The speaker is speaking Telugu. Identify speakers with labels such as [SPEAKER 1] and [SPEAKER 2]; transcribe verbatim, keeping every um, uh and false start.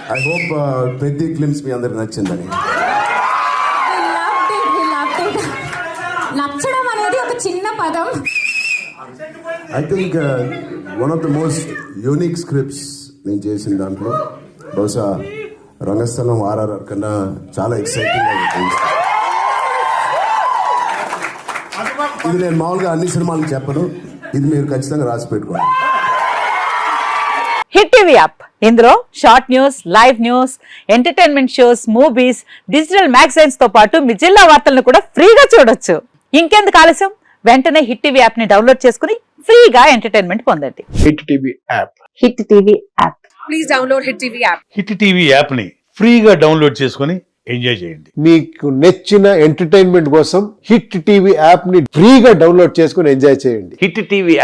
[SPEAKER 1] ఐ హోప్ ప్రతి గ్లిమ్స్ మీ అందరికి నచ్చిందని.
[SPEAKER 2] నచ్చడం అనేది ఒక చిన్న పదం.
[SPEAKER 1] I think one of the most unique scripts నేను చేసిన దాంట్లో బహుశా రంగస్థలం ఆర్ఆర్ఆర్ కన్నా చాలా ఎక్సైటింగ్ ఉంటుంది. ఇది నేను మామూలుగా అన్ని సినిమాలకు చెప్పను, ఇది మీరు ఖచ్చితంగా రాసి పెట్టుకోండి.
[SPEAKER 3] హిట్ టీవీ యాప్, ఇందులో short news, live news, entertainment shows, movies, digital magazines తో పాటు మీ జిల్లా వార్తలను కూడా ఫ్రీగా చూడొచ్చు. ఇంకెందుకు ఆలస్యం, వెంటనే హిట్ టీవీ యాప్ ని డౌన్లోడ్ చేసుకుని ఫ్రీగా ఎంటర్టైన్మెంట్ పొందండి.
[SPEAKER 4] Hit TV app.
[SPEAKER 3] Hit TV app.
[SPEAKER 2] Please download hit TV app.
[SPEAKER 5] Hit TV app ని ఫ్రీగా డౌన్లోడ్ చేసుకుని ఎంజాయ్ చేయండి.
[SPEAKER 4] మీకు నచ్చిన ఎంటర్టైన్మెంట్ కోసం హిట్ టీవీ యాప్ ని ఫ్రీగా డౌన్లోడ్ చేసుకుని ఎంజాయ్ చేయండి.
[SPEAKER 5] Hit TV